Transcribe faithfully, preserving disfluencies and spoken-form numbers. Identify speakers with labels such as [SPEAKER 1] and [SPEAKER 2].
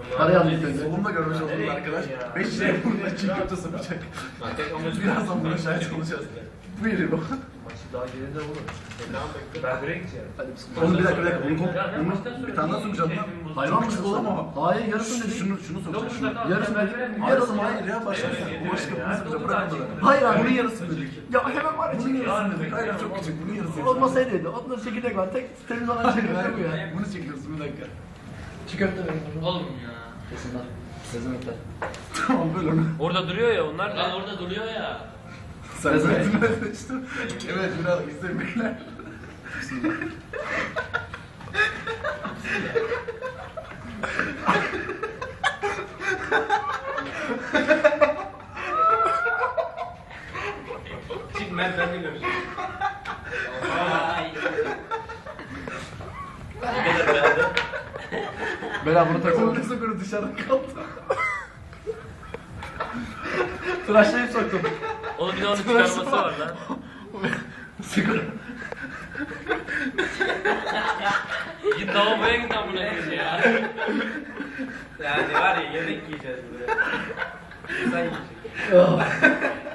[SPEAKER 1] Parayı aldık önce.
[SPEAKER 2] Solumda görmüş olduğunuz arkadaş beş liraya burnuna çiğ köfte sapacak. Birazdan buna şahit olacağız. Buyurun o.
[SPEAKER 1] Daha geride olur.
[SPEAKER 3] Ben buraya gideceğim.
[SPEAKER 1] Hadi bismillah.
[SPEAKER 2] Onu bir dakika bir dakika. Onu, onu bir tane daha sokacağım lan. Hayvan mısın oğlum o?
[SPEAKER 1] Hayır yarısını dedik.
[SPEAKER 2] Şunu, şunu sokacağım. Şunu.
[SPEAKER 1] Yarısını dedik.
[SPEAKER 2] Yarısı mı? Hayır ya başka bir şey. Bu başka bir şey sokacağım. Bırak bunu.
[SPEAKER 1] Hayır abi.
[SPEAKER 2] Bunun yarısı dedik.
[SPEAKER 1] Ya hemen var ya.
[SPEAKER 2] Bunun yarısı dedik. Hayır çok küçük. Bunun yarısı.
[SPEAKER 1] Olmasaydı dedi. Onda çekirdek var. Tek temiz olan çekirdek bu ya.
[SPEAKER 2] Bunu çekiyorsun bir dakika.
[SPEAKER 1] Çiğ köfte verin.
[SPEAKER 4] Oğlum ya.
[SPEAKER 1] Kesinler. Sezimlikler.
[SPEAKER 2] Tamam böyle onu.
[SPEAKER 4] Orada duruyor ya onlar
[SPEAKER 3] Lan
[SPEAKER 4] da.
[SPEAKER 3] orada duruyor ya.
[SPEAKER 2] Sen zaten öyle işte. Evet biraz istemekler.
[SPEAKER 3] Çık ben ben de göreceğim. Ay. Ne kadar beğendin?
[SPEAKER 1] Bela bunu takalım.
[SPEAKER 2] Korku sokunu dışarıda kaldı.
[SPEAKER 1] Tıraşlayıp soktum.
[SPEAKER 4] Oğlum bir de onun çıkarması var lan.
[SPEAKER 1] Sigara.
[SPEAKER 4] Git lavaboya git amına koyayım ya.
[SPEAKER 3] Yani var ya yemek yiyeceğiz buraya. İnsan yiyecek.